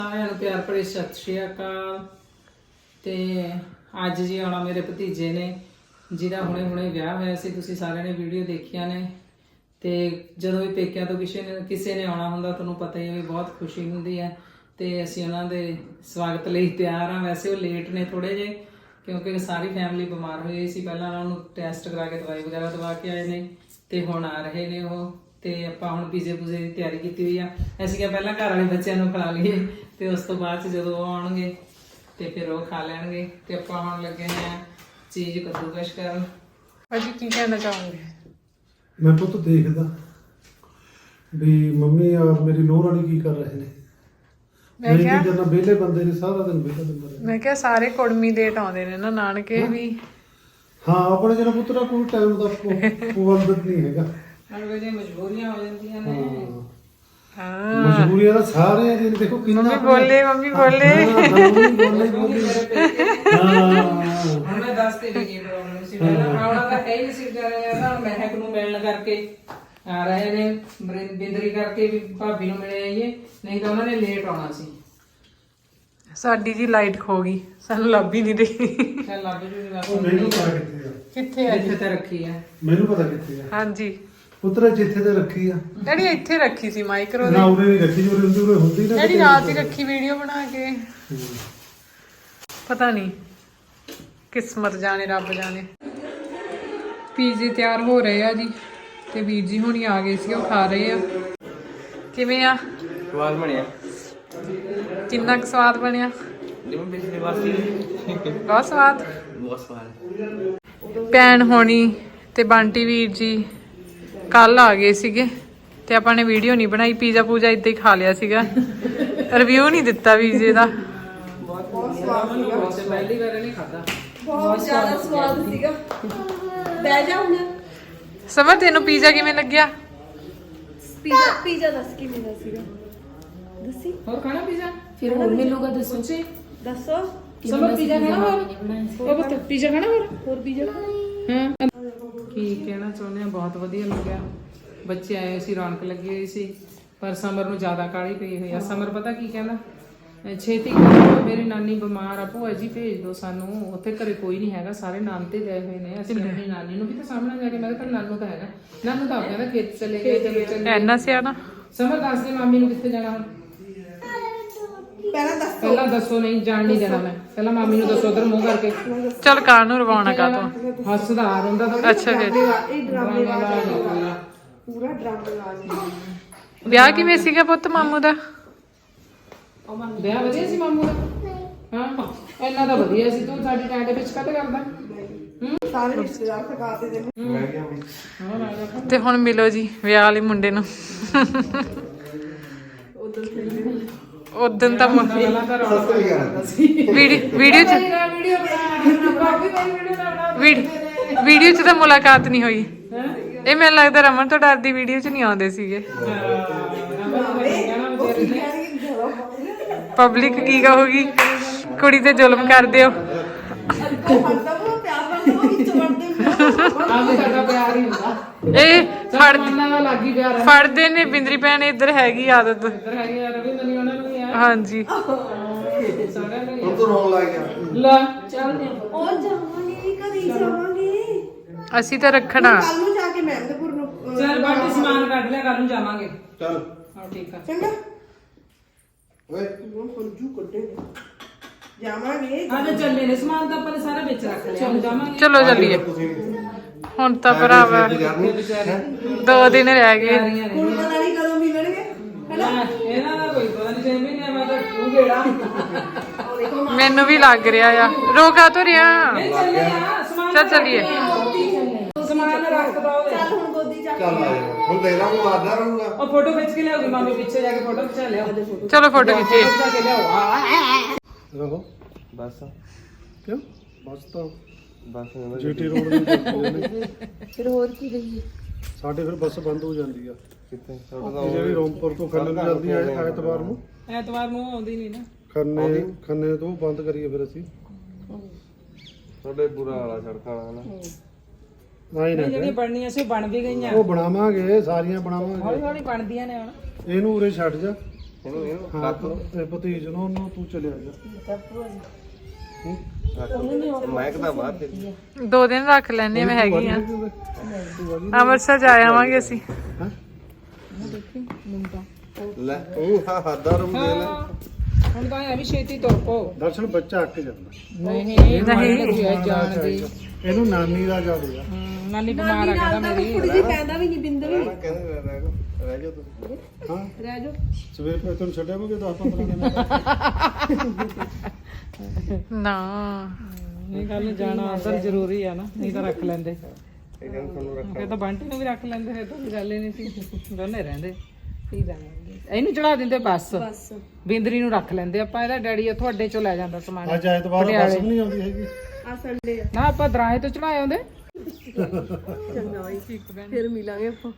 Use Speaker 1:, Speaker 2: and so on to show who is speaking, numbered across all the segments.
Speaker 1: ਸਾਰਿਆਂ ਨੂੰ ਪਿਆਰ ਭਰੀ ਸਤਿ ਸ਼੍ਰੀ ਅਕਾਲ। ਤੇ ਅੱਜ ਜੀ ਆਉਣਾ ਮੇਰੇ ਭਤੀਜੇ ਨੇ ਜਿਹਦਾ ਹੁਣੇ ਵਿਆਹ ਹੋਇਆ ਸੀ। ਤੁਸੀਂ ਸਾਰਿਆਂ ਨੇ ਵੀਡੀਓ ਦੇਖੀਆਂ ਨੇ। ਤੇ ਜਦੋਂ ਵੀ ਪੇਕਿਆਂ ਤੋਂ ਕਿਸੇ ਨੇ ਆਉਣਾ ਹੁੰਦਾ ਤੁਹਾਨੂੰ ਪਤਾ ਹੀ ਹੈ ਵੀ ਬਹੁਤ ਖੁਸ਼ੀ ਹੁੰਦੀ ਹੈ। ਤੇ ਅਸੀਂ ਉਹਨਾਂ ਦੇ ਸਵਾਗਤ ਲਈ ਤਿਆਰ ਹਾਂ। ਵੈਸੇ ਉਹ ਲੇਟ ਨੇ ਥੋੜੇ ਜਿਹੇ ਕਿਉਂਕਿ ਸਾਰੀ ਫੈਮਿਲੀ ਬਿਮਾਰ ਹੋਈ ਸੀ। ਪਹਿਲਾਂ ਉਹਨਾਂ ਨੂੰ ਟੈਸਟ ਕਰਾ ਕੇ ਦਵਾਈ ਵਗੈਰਾ ਦਵਾ ਕੇ ਆਏ ਨੇ ਤੇ ਹੁਣ ਆ ਰਹੇ ਨੇ ਉਹ। ਤੇ ਆਪਾਂ ਹੁਣ ਪੀਜ਼ੇ ਪੂਜ਼ੇ ਦੀ ਤਿਆਰੀ ਕੀਤੀ ਹੋਈ ਆ। ਅਸੀਂ ਕਿਹਾ ਪਹਿਲਾਂ ਘਰ ਵਾਲੇ ਬੱਚਿਆਂ ਨੂੰ ਖਿਲਾ ਲਈਏ ਤੇ ਉਸ ਤੋਂ ਬਾਅਦ 'ਚ ਜਦੋਂ ਉਹ ਆਉਣਗੇ ਤੇ ਫਿਰ ਉਹ ਖਾ ਲੈਣਗੇ। ਤੇ ਆਪਾਂ ਹੁਣ ਲੱਗੇ ਹਾਂ ਚੀਜ਼ ਕੱਦੂਕਸ਼ ਕਰਨ। ਭਾਜੀ ਕੀ ਕਹਿਣਾ ਚਾਹੋਗੇ?
Speaker 2: ਮੈਂ ਪੁੱਤ ਦੇਖਦਾ ਵੀ ਮੰਮੀ ਔਰ ਮੇਰੀ ਨੂੰਹ ਰਾਣੀ ਕੀ ਕਰ ਰਹੇ ਨੇ।
Speaker 1: ਮੈਂ ਕਿਹਾ
Speaker 2: ਜਦੋਂ ਵਿਹਲੇ ਬੰਦੇ ਨੇ ਸਾਰਾ ਦਿਨ ਵਿਹਲਾ ਦਿੰਦਾ ਰਹੇ।
Speaker 1: ਮੈਂ ਕਿਹਾ ਸਾਰੇ ਕੁੜਮੀ ਡੇਟ ਆਉਂਦੇ ਨੇ ਨਾ ਨਾਨਕੇ ਵੀ।
Speaker 2: ਹਾਂ ਆਪਣੇ ਜਿਹੜਾ ਪੁੱਤਰਾ ਕੋਈ ਟਾਈਮ ਦਾ ਪਾਬੰਦ ਨਹੀਂ ਹੈਗਾ।
Speaker 1: ਅਗਰ ਜੇ ਮਜਬੂਰੀਆਂ ਹੋ ਜਾਂਦੀਆਂ ਨੇ।
Speaker 2: ਹਾਂ ਮਜਬੂਰੀਆਂ ਦਾ ਸਾਰੇ ਦਿਨ ਦੇਖੋ ਕਿੰਨਾ
Speaker 1: ਮੰਮੀ ਬੋਲੇ
Speaker 2: ਮੰਮੀ ਬੋਲੇ
Speaker 1: ਹੁਣ ਮੈਂ ਦੱਸ ਤੇ ਵੀ ਕੀ ਪ੍ਰੋਬਲਮ ਸੀ। ਪਹਿਲਾਂ ਆਉਣਾ ਤਾਂ ਹੈ ਹੀ ਨਹੀਂ ਸੀ ਵਿਚਾਰਿਆਂ ਮਹਿਕ ਨੂੰ ਮਿਲਣ ਕਰਕੇ ਆ ਰਹੇ ਨੇ। ਬਿੰਦਰੀ ਕਰਕੇ ਵੀ ਭਾਬੀ ਨੂੰ ਮਿਲੇ ਆਈਏ ਨਹੀਂ ਤਾਂ ਉਹਨਾਂ ਨੇ ਲੇਟ ਆਉਣਾ ਸੀ।
Speaker 3: ਸਾਡੀ ਜੀ ਲਾਈਟ ਖੋ ਗਈ, ਸਾਨੂੰ ਲੱਭ ਹੀ ਨਹੀਂ ਰਹੀ।
Speaker 1: ਚੱਲ ਲੱਭ ਜੂਗੀ
Speaker 2: ਮੈਨੂੰ ਪਤਾ ਕਿੱਥੇ ਆ।
Speaker 1: ਕਿੱਥੇ ਆ? ਜਿੱਥੇ ਤੇ ਰੱਖੀ ਆ।
Speaker 2: ਮੈਨੂੰ ਪਤਾ ਕਿੱਥੇ ਆ।
Speaker 3: ਹਾਂਜੀ
Speaker 2: ਪੁੱਤਰਾ ਜਿੱਥੇ ਤੇ ਰੱਖੀ ਆ।
Speaker 3: ਡੈਡੀ ਇੱਥੇ ਰੱਖੀ ਸੀ ਮਾਈਕਰੋ
Speaker 2: ਨਾ ਉਰੇ ਨਹੀਂ ਰੱਖੀ, ਉਰੇ ਹੁੰਦੀ ਨਾ।
Speaker 3: ਡੈਡੀ ਰਾਤ ਹੀ ਰੱਖੀ ਵੀਡੀਓ ਬਣਾ ਕੇ। ਪਤਾ ਨਹੀਂ ਕਿਸਮਤ ਜਾਣੇ ਰੱਬ ਜਾਣੇ। ਪੀਜ਼ੇ ਤਿਆਰ ਹੋ ਰਹੇ ਆ ਜੀ ਤੇ ਵੀਰ ਜੀ ਹੁਣੀ ਆ ਗਏ ਸੀ, ਉਹ ਖਾ ਰਹੇ ਆ। ਕਿਵੇਂ ਆ?
Speaker 4: ਸਵਾਦ ਬਣਿਆ।
Speaker 3: ਕਿੰਨਾ ਕੁ ਸਵਾਦ ਬਣਿਆ?
Speaker 4: ਜਿਵੇਂ ਪਿਛਲੀ ਵਾਰ ਸੀ।
Speaker 3: ਬਹੁਤ ਸਵਾਦ।
Speaker 4: ਬਹੁਤ ਸਵਾਦ।
Speaker 3: ਭੈਣ ਹੋਣੀ ਤੇ ਬੰਟੀ ਵੀਰ ਜੀ ਕੱਲ ਆ ਗਏ ਸੀਗੇ ਤੇ ਆਪਾਂ ਨੇ ਵੀਡੀਓ ਨਹੀਂ ਬਣਾਈ। ਪੀਜ਼ਾ ਪੂਜਾ ਇੱਦਾਂ ਹੀ ਖਾ ਲਿਆ ਸੀਗਾ, ਰਿਵਿਊ ਨਹੀਂ ਦਿੱਤਾ ਪੀਜ਼ੇ ਦਾ।
Speaker 1: ਬਹੁਤ ਸਵਾਦ ਸੀਗਾ। ਪਹਿਲੀ ਵਾਰ ਨਹੀਂ ਖਾਦਾ।
Speaker 5: ਬਹੁਤ ਜ਼ਿਆਦਾ ਸਵਾਦ ਸੀਗਾ। ਬਹਿ ਜਾ ਹੁਣ।
Speaker 3: ਸਮਰ ਤੈਨੂੰ ਪੀਜ਼ਾ ਕਿਵੇਂ ਲੱਗਿਆ?
Speaker 5: ਪੀਜ਼ਾ ਦੱਸ ਕਿਵੇਂ ਦਾ ਸੀਗਾ? ਦੱਸੀ।
Speaker 1: ਹੋਰ ਖਾਣਾ ਪੀਜ਼ਾ?
Speaker 5: ਫਿਰ ਹੋਰ ਮਿਲੂਗਾ ਦੱਸੋ। ਦੱਸੋ।
Speaker 1: ਸਮਰ ਪੀਜ਼ਾ ਖਾਣਾ ਹੋਰ? ਉਹ ਬਸ ਪੀਜ਼ਾ ਖਾਣਾ ਹੋਰ
Speaker 5: ਪੀਜ਼ਾ
Speaker 1: ਹਾਂ। ਕੀ ਕਹਿਣਾ ਚਾਹੁੰਦੇ ਆ, ਬਹੁਤ ਵਧੀਆ ਲੱਗਿਆ। ਬੱਚੇ ਆਏ ਸੀ, ਰੌਣਕ ਲੱਗੀ ਹੋਈ ਸੀ। ਪਰ ਸਮਰ ਨੂੰ ਜ਼ਿਆਦਾ ਕਾਹਲੀ ਪਈ ਹੋਈ ਆ। ਸਮਰ ਪਤਾ ਕੀ ਕਹਿੰਦਾ, ਛੇਤੀ ਕਰੋ ਮੇਰੀ ਨਾਨੀ ਬਿਮਾਰ ਆ, ਭੂਆ ਜੀ ਭੇਜ ਦਿਓ ਸਾਨੂੰ। ਉੱਥੇ ਘਰੇ ਕੋਈ ਨਹੀਂ ਹੈਗਾ, ਸਾਰੇ ਨਾਮ ਤੇ ਗਏ ਹੋਏ ਨੇ। ਅਸੀਂ ਆਪਣੀ ਨਾਨੀ ਨੂੰ ਵੀ ਤਾਂ ਸਾਹਮਣੇ ਜਾ ਕੇ ਮੈਂ ਕਿਹਾ ਨਾਨੂ ਤਾਂ ਹੈਗਾ। ਨਾਨੂ ਤਾਂ ਕਹਿੰਦਾ ਖੇਤ ਚਲੇ ਗਏ। ਚਲੋ ਚੱਲ
Speaker 3: ਐਨਾ ਸਿਆਣਾ।
Speaker 1: ਸਮਰ ਦੱਸ ਦੇ ਮਾਮੀ ਨੂੰ ਕਿੱਥੇ ਜਾਣਾ ਹੁਣ। ਪਹਿਲਾਂ ਦੱਸੋ। ਨਹੀਂ ਜਾਣ ਨਹੀਂ ਦੇਣਾ ਮੈਂ। ਪਹਿਲਾਂ ਮਾਮੀ ਨੂੰ ਦੱਸੋ ਉਧਰ ਮੂੰਹ ਕਰਕੇ।
Speaker 3: ਚਲ ਕਾਰ ਨੂੰ ਰਵਾਉਣਾ ਕਾ ਤੂੰ।
Speaker 1: ਹੱਸਦਾ ਆ ਹੁੰਦਾ ਤਾਂ
Speaker 3: ਅੱਛਾ ਫਿਰ
Speaker 5: ਇਹ ਡਰਾਮੇ ਪੂਰਾ ਡਰਾਮਾ ਲਾ।
Speaker 3: ਵਿਆਹ ਕਿਵੇਂ ਸੀਗਾ ਪੁੱਤ ਮਾਮੂ ਦਾ?
Speaker 1: ਵਿਆਹ ਵਧੀਆ ਸੀ ਮਾਮੂ ਦਾ। ਹਾਂ ਇੰਨਾ ਤਾਂ ਵਧੀਆ ਸੀ। ਤੂੰ ਸਾਡੀ ਟੈਂਟ ਵਿੱਚ ਕੱਟ ਕਰਦਾ।
Speaker 5: ਸਾਰੇ ਰਿਸ਼ਤੇਦਾਰ ਥਕਾਤੇ ਦੇ
Speaker 3: ਤੇ ਹੁਣ ਮਿਲੋ ਜੀ ਵਿਆਹ ਵਾਲੇ ਮੁੰਡੇ ਨੂੰ। ਉਦੋਂ ਤਾਂ ਵੀਡੀਓ 'ਚ ਤਾਂ ਮੁਲਾਕਾਤ ਨਹੀਂ ਹੋਈ। ਇਹ ਮੈਨੂੰ ਲੱਗਦਾ ਰਮਨ ਤੋਂ ਡਰਦੀ ਵੀਡੀਓ 'ਚ ਨਹੀਂ ਆਉਂਦੇ ਸੀਗੇ। ਪਬਲਿਕ ਕੀ ਕਹੂਗੀ, ਕੁੜੀ ਤੇ ਜ਼ੁਲਮ ਕਰਦੇ ਹੋ। ਇਹ ਫੜਦੇ ਨੇ। ਬਿੰਦਰੀ ਭੈਣ ਇੱਧਰ ਹੈਗੀ ਆਦਤ। ਹਾਂਜੀ
Speaker 2: ਹੁਣ ਤੋਂ ਰੋਣ ਲੱਗ ਗਿਆ।
Speaker 1: ਲੈ
Speaker 5: ਚੱਲਦੇ ਔਰ ਜਾਵਾਂਗੇ ਕਦੀ ਜਾਵਾਂਗੇ।
Speaker 3: ਅਸੀਂ ਤਾਂ ਰੱਖਣਾ।
Speaker 5: ਕੱਲ ਨੂੰ ਜਾ ਕੇ ਮਹਿੰਦਪੁਰ ਨੂੰ।
Speaker 1: ਚੱਲ ਬਾਕੀ ਸਮਾਨ ਕੱਢ ਲਿਆ, ਕੱਲ ਨੂੰ ਜਾਵਾਂਗੇ।
Speaker 2: ਚੱਲ
Speaker 1: ਹਾਂ ਠੀਕ ਆ।
Speaker 5: ਚੰਗਾ
Speaker 2: ਓਏ
Speaker 5: ਉਹ ਫਰਜੂ ਕੱਢੇ ਜਾਵਾਂਗੇ।
Speaker 1: ਅੱਜ ਚੱਲੇ ਨੇ ਸਮਾਨ ਤਾਂ ਆਪਾਂ ਨੇ ਸਾਰਾ ਵਿੱਚ ਰੱਖ ਲਿਆ। ਹੁਣ ਜਾਵਾਂਗੇ।
Speaker 3: ਚਲੋ ਚੱਲੀਏ। ਹੁਣ ਤਾਂ ਭਰਾਵਾ 2 ਦਿਨ ਰਹਿ ਗਏ।
Speaker 5: ਹੁਣ ਪਤਾ ਨਹੀਂ ਕਦੋਂ ਮਿਲਣਗੇ।
Speaker 1: ਇਹਨਾਂ ਦਾ ਕੋਈ ਪਤਾ ਨਹੀਂ। 6 ਮਹੀਨੇ ਮੈਂ ਤਾਂ ਤੂੰ ਗੇੜਾ।
Speaker 3: ਮੈਨੂੰ ਵੀ ਲੱਗ ਰਿਹਾ ਆ। ਰੋਕਾ ਤੋਂ ਰਿਹਾ।
Speaker 1: ਚੱਲੇ ਆ ਸਮਾਨ।
Speaker 3: ਚੱਲ ਚੱਲੀਏ।
Speaker 1: ਸਮਾਨ ਰੱਖ ਦੋ।
Speaker 5: ਚੱਲ ਹੁਣ ਗੋਦੀ ਚੱਕ।
Speaker 2: ਚੱਲ ਆ ਜਾ। ਹੁਣ ਦੇਖ ਲਾ ਉਹ ਆਦਾ ਰਹੂਗਾ।
Speaker 1: ਉਹ ਫੋਟੋ ਖਿੱਚ ਕੇ ਲਿਆਉਗੀ ਮਾਮੀ, ਪਿੱਛੇ ਜਾ ਕੇ ਫੋਟੋ ਖਿਚਾ ਲਿਆ।
Speaker 3: ਚਲੋ ਫੋਟੋ ਖਿੱਚੀਏ।
Speaker 1: ਖਿਚਾ ਕੇ ਲਿਆਓ।
Speaker 2: ਰਹੋ
Speaker 4: ਬਸ
Speaker 2: ਕਿਉਂ ਬਸ ਤਾਂ
Speaker 4: ਬਸ
Speaker 2: ਜੀਟੀ ਰੋਡ ਦੇ
Speaker 5: ਫਿਰ ਹੋਰ ਕੀ ਰਹੀ?
Speaker 2: ਸਾਡੇ ਫਿਰ ਬੱਸ ਬੰਦ ਹੋ ਜਾਂਦੀ ਆ।
Speaker 4: ਕਿੱਥੇ
Speaker 2: ਇਹ ਜਿਹੜੀ ਰੋਮਪੁਰ ਤੋਂ ਖੰਨੇ ਨੂੰ ਜਾਂਦੀ ਹੈ ਐਤਵਾਰ ਨੂੰ।
Speaker 1: ਐਤਵਾਰ ਨੂੰ ਆਉਂਦੀ ਨਹੀਂ ਨਾ।
Speaker 2: ਖੰਨੇ ਤੋਂ ਬੰਦ ਕਰੀਏ ਫਿਰ ਅਸੀਂ।
Speaker 4: ਤੁਹਾਡੇ ਬੁਰਾ ਵਾਲਾ ਸੜਕਾਂ ਵਾਲਾ ਹਨਾ।
Speaker 2: ਨਹੀਂ
Speaker 1: ਜਿਹੜੀਆਂ ਬਣਨੀਆਂ ਸੀ ਉਹ ਬਣ ਵੀ ਗਈਆਂ।
Speaker 2: ਉਹ ਬਣਾਵਾਂਗੇ, ਸਾਰੀਆਂ ਬਣਾਵਾਂਗੇ।
Speaker 1: ਹੌਲੀ ਹੌਲੀ ਬਣਦੀਆਂ ਨੇ ਹੁਣ।
Speaker 2: ਇਹਨੂੰ ਉਰੇ ਛੱਡ ਜਾ।
Speaker 4: ਇਹਨੂੰ
Speaker 2: ਹਾਂ ਤੇ ਭਤੀਜ ਨੂੰ ਉਹਨੂੰ ਤੂੰ ਚਲਿਆ ਜਾ
Speaker 4: ਮੈਂ ਕਹਦਾ ਬਾਅਦ ਤੇ
Speaker 3: 2 ਦਿਨ ਰੱਖ ਲੈਣੇ ਮੈਂ ਹੈਗੀ ਆ ਅੰਮ੍ਰਿਤਸਰ ਜਾ ਆਵਾਂਗੇ ਅਸੀਂ
Speaker 4: ਲੈ ਉਹ ਹੱਦਾ ਰੂਮ ਦੇ ਲੈ
Speaker 1: ਹੁਣ ਤਾਂ ਐਵੇਂ ਛੇਤੀ ਤੁਰ ਪੋ
Speaker 2: ਦਰਸ਼ਨ ਬੱਚਾ ਅੱਕ ਜਾਂਦਾ
Speaker 1: ਨਹੀਂ ਨਹੀਂ ਜਾਣ ਦੀ
Speaker 2: ਇਹਨੂੰ ਨਾਨੀ ਦਾ ਯਾਦ ਆ
Speaker 1: ਨਾਨੀ ਬਿਮਾਰ ਆ ਕਹਿੰਦਾ ਮੇਰੀ
Speaker 5: ਕੁੜੀ ਜੀ ਪੈਂਦਾ ਵੀ ਨਹੀਂ ਬਿੰਦ ਵੀ
Speaker 4: ਕਹਿੰਦੇ ਰਹਿ ਜਾ ਤੂੰ
Speaker 2: ਹਾਂ
Speaker 5: ਰਹਿ ਜਾ
Speaker 2: ਸਵੇਰ ਪੈ ਤੈਨੂੰ ਛੱਡਿਆ ਮੈਂ 10-15 ਦਿਨ
Speaker 3: ਨਾ
Speaker 1: ਇਹ ਗੱਲ ਜਾਣਾ ਅੰਦਰ ਜ਼ਰੂਰੀ ਆ ਨਾ ਨਹੀਂ ਤਾਂ ਰੱਖ ਲੈਂਦੇ
Speaker 4: ਇਹ ਕਹਿੰਦੇ ਤੁਹਾਨੂੰ ਰੱਖ
Speaker 1: ਫਿਰ ਤਾਂ ਬੰਟੀ ਨੂੰ ਵੀ ਰੱਖ ਲੈਂਦੇ ਫਿਰ ਤਾਂ ਕੋਈ ਗੱਲ ਹੀ ਨਹੀਂ ਸੀ ਦੋਨੇ ਰਹਿੰਦੇ ਕੀ ਜਾਣਾਂਗੇ ਇਹਨੂੰ ਚੜਾ ਦਿੰਦੇ ਬਸ ਬਿੰਦਰੀ ਨੂੰ ਰੱਖ ਲੈਂਦੇ ਆਪਾਂ ਇਹਦਾ ਡੈਡੀ ਆ ਤੁਹਾਡੇ ਚੋਂ ਲੈ ਜਾਂਦਾ ਸਮਾਨ
Speaker 2: ਅੱਜ ਐਤਵਾਰ ਦਾ ਬੱਸ ਵੀ ਨਹੀਂ ਆਉਂਦੀ ਹੈਗੀ
Speaker 5: ਆ ਸੰਡੇ ਆ
Speaker 1: ਨਾ ਆਪਾਂ ਦਰਾਹੇ ਤੋਂ ਚੜਾਏ ਆਉਂਦੇ
Speaker 5: ਚੰਗਾ ਬਾਈ ਫਿਰ ਮਿਲਾਂਗੇ ਆਪਾਂ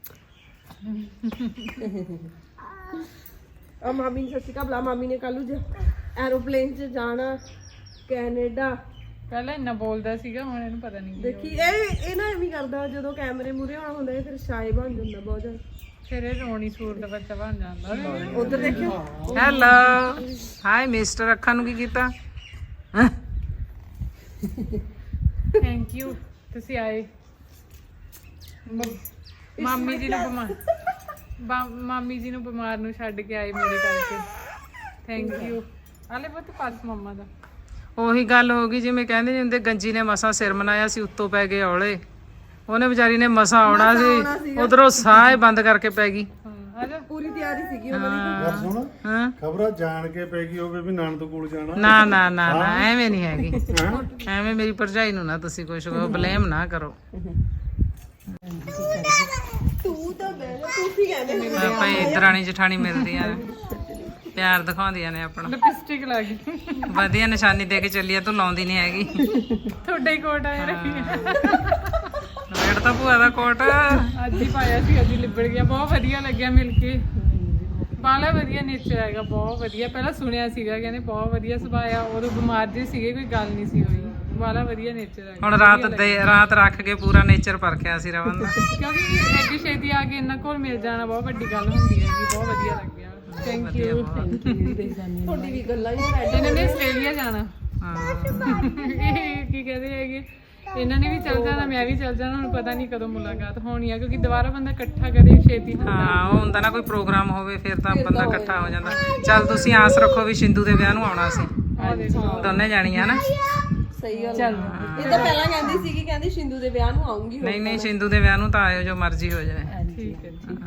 Speaker 5: ਆ ਮਾਮੀ ਨੇ ਸੱਚੀ ਕਾ ਮਾਮੀ ਨੇ ਕੱਲੂ ਐਰੋਪਲੇਨ 'ਚ ਜਾਣਾ ਕੈਨੇਡਾ
Speaker 3: ਪਹਿਲਾਂ ਇੰਨਾ ਬੋਲਦਾ ਸੀਗਾ ਹੁਣ ਇਹਨੂੰ ਪਤਾ ਨਹੀਂ
Speaker 5: ਦੇਖੀ ਇਹ ਨਾ ਐਵੇਂ ਕਰਦਾ ਜਦੋਂ ਕੈਮਰੇ ਮੂਰੇ ਆਉਣਾ ਹੁੰਦਾ ਫਿਰ ਸ਼ਾਏ ਬਣ ਜਾਂਦਾ ਬਹੁਤ ਜ਼ਿਆਦਾ
Speaker 3: ਫਿਰ ਇਹ ਰੋਣੀ ਸੂਰ ਦਾ ਬੱਚਾ ਬਣ ਜਾਂਦਾ
Speaker 5: ਉਧਰ ਦੇਖਿਓ
Speaker 1: ਹੈਲੋ ਹਾਈ ਮਿਸਟਰ ਅੱਖਾਂ ਨੂੰ ਕੀ ਕੀਤਾ
Speaker 3: ਥੈਂਕ ਯੂ ਤੁਸੀਂ ਆਏ ਮਾਮੀ ਜੀ ਨੂੰ ਮਾਮੀ ਜੀ ਨੂੰ ਬਿਮਾਰ ਨੂੰ ਛੱਡ ਕੇ ਆਏ ਮੇਰੇ ਕਰਕੇ ਥੈਂਕ ਯੂ ਆਲੇ ਬਹੁਤ ਪਾਸ ਮੰਮਾ ਦਾ
Speaker 1: ਉਹੀ ਗੱਲ ਹੋ ਗਈ ਜਿਵੇਂ ਕਹਿੰਦੇ ਨੇ ਹੁੰਦੇ ਗੰਜੀ ਨੇ ਮਸਾਂ ਸਿਰ ਮਨਾਇਆ ਸੀ ਉੱਤੋਂ ਪੈ ਗਏ ਔਲੇ ਉਹਨੇ ਵਿਚਾਰੀ ਨੇ ਮਸਾਂ ਆਉਣਾ ਸੀ ਉਧਰੋਂ ਸਾਹ ਬੰਦ ਕਰਕੇ ਪੈ ਗਈ
Speaker 3: ਆਜਾ
Speaker 5: ਪੂਰੀ ਤਿਆਰੀ ਸੀਗੀ ਉਹਨਾਂ ਦੀ
Speaker 2: ਗੱਲ ਸੁਣ
Speaker 1: ਹਾਂ
Speaker 2: ਖਬਰਾਂ ਜਾਣ ਕੇ ਪੈ ਗਈ ਹੋਵੇ ਵੀ ਨਾਨਦ ਕੋਲ ਜਾਣਾ
Speaker 1: ਨਾ ਨਾ ਨਾ ਨਾ ਐਵੇਂ ਨਹੀਂ ਹੈਗੀ ਐਵੇਂ ਮੇਰੀ ਭਰਜਾਈ ਨੂੰ ਨਾ ਤੁਸੀਂ ਕੁਛ ਬਲੇਮ ਨਾ ਕਰੋ
Speaker 5: ਤੂੰ ਤਾਂ ਬਹਿ ਜਾ ਤੂੰ ਕੀ ਕਹਿੰਦੇ
Speaker 1: ਆਪਾਂ ਦਰਾਣੀ ਜਠਾਣੀ ਮਿਲਦੀਆਂ ਨੇ ਪਿਆਰ ਦਿਖਾਉਂਦੀਆਂ ਨੇ ਆਪਣਾ
Speaker 3: ਲਿਪਸਟਿਕ ਲਾ ਗਈ
Speaker 1: ਵਧੀਆ ਨਿਸ਼ਾਨੀ ਦੇ ਕੇ ਚੱਲੀ ਆ ਤੂੰ ਲਾਉਂਦੀ ਨਹੀਂ ਹੈਗੀ
Speaker 3: ਤੁਹਾਡਾ ਹੀ ਕੋਟ ਆਇਆ ਰੱਖੀ
Speaker 1: ਵੇੜ ਤਾਂ ਭੂਆ ਦਾ ਕੋਟ
Speaker 3: ਅੱਜ ਹੀ ਪਾਇਆ ਸੀ ਅੱਜ ਹੀ ਲਿਬੜ ਗਿਆ ਬਹੁਤ ਵਧੀਆ ਲੱਗਿਆ ਮਿਲ ਕੇ ਬਾਲਾ ਵਧੀਆ ਨੇਚਰ ਹੈਗਾ ਬਹੁਤ ਵਧੀਆ ਪਹਿਲਾਂ ਸੁਣਿਆ ਸੀਗਾ ਕਹਿੰਦੇ ਬਹੁਤ ਵਧੀਆ ਸੁਭਾਅ ਆ ਉਦੋਂ ਬਿਮਾਰ ਜੀ ਸੀਗੇ ਕੋਈ ਗੱਲ ਨਹੀਂ ਸੀ ਹੋਈ ਬਾਲਾ ਵਧੀਆ ਨੇਚਰ ਹੈਗਾ
Speaker 1: ਹੁਣ ਰਾਤ ਰੱਖ ਕੇ ਪੂਰਾ ਨੇਚਰ ਪਰਖਿਆ ਸੀ ਰਵਨ ਦਾ
Speaker 3: ਕਿਉਂਕਿ ਐਡੀ ਛੇਤੀ ਆ ਕੇ ਇਹਨਾਂ ਕੋਲ ਮਿਲ ਜਾਣਾ ਬਹੁਤ ਵੱਡੀ ਗੱਲ ਹੁੰਦੀ ਹੈ ਜੀ ਬਹੁਤ ਵਧੀਆ ਲੱਗਿਆ ਥੈਂਕ ਯੂ
Speaker 5: ਤੁਹਾਡੀ ਵੀ ਗੱਲਾਂ ਹੀ ਰਹਿ
Speaker 3: ਇਹਨਾਂ ਨੇ ਆਸਟ੍ਰੇਲੀਆ ਜਾਣਾ
Speaker 1: ਹਾਂ
Speaker 3: ਇਹ ਕੀ ਕਹਦੇ ਹੈਗੇ ਇਹਨਾਂ ਨੇ ਵੀ ਚੱਲ ਜਾਣਾ ਮੈਂ ਵੀ ਚੱਲ ਜਾਣਾ ਹੁਣ ਪਤਾ ਨਹੀਂ ਕਦੋਂ ਮੁਲਾਕਾਤ ਹੋਣੀ ਆ ਕਿਉਂਕਿ ਦੁਬਾਰਾ ਬੰਦਾ ਇਕੱਠਾ ਕਰੇ ਛੇਤੀ
Speaker 1: ਹਾਂ ਉਹ ਹੁੰਦਾ ਨਾ ਕੋਈ ਪ੍ਰੋਗਰਾਮ ਹੋਵੇ ਫਿਰ ਤਾਂ ਬੰਦਾ ਇਕੱਠਾ ਹੋ ਜਾਂਦਾ ਚੱਲ ਤੁਸੀਂ ਆਸ ਰੱਖੋ ਵੀ ਸਿੰਧੂ ਦੇ ਵਿਆਹ ਨੂੰ ਆਉਣਾ ਸੀ ਦੋਨੇ ਜਾਣੀਆਂ ਨਾ
Speaker 5: ਸਹੀ ਗੱਲ ਚੱਲ ਇਹ ਤਾਂ ਪਹਿਲਾਂ ਕਹਿੰਦੀ ਸੀਗੀ ਕਹਿੰਦੀ ਸਿੰਧੂ ਦੇ ਵਿਆਹ ਨੂੰ ਆਉਂਗੀ
Speaker 1: ਨਹੀਂ ਸਿੰਧੂ ਦੇ ਵਿਆਹ ਨੂੰ ਤਾਂ ਆਇਓ ਜੋ ਮਰਜ਼ੀ ਹੋ ਜਾਵੇ
Speaker 3: ਠੀਕ ਹੈ ਜੀ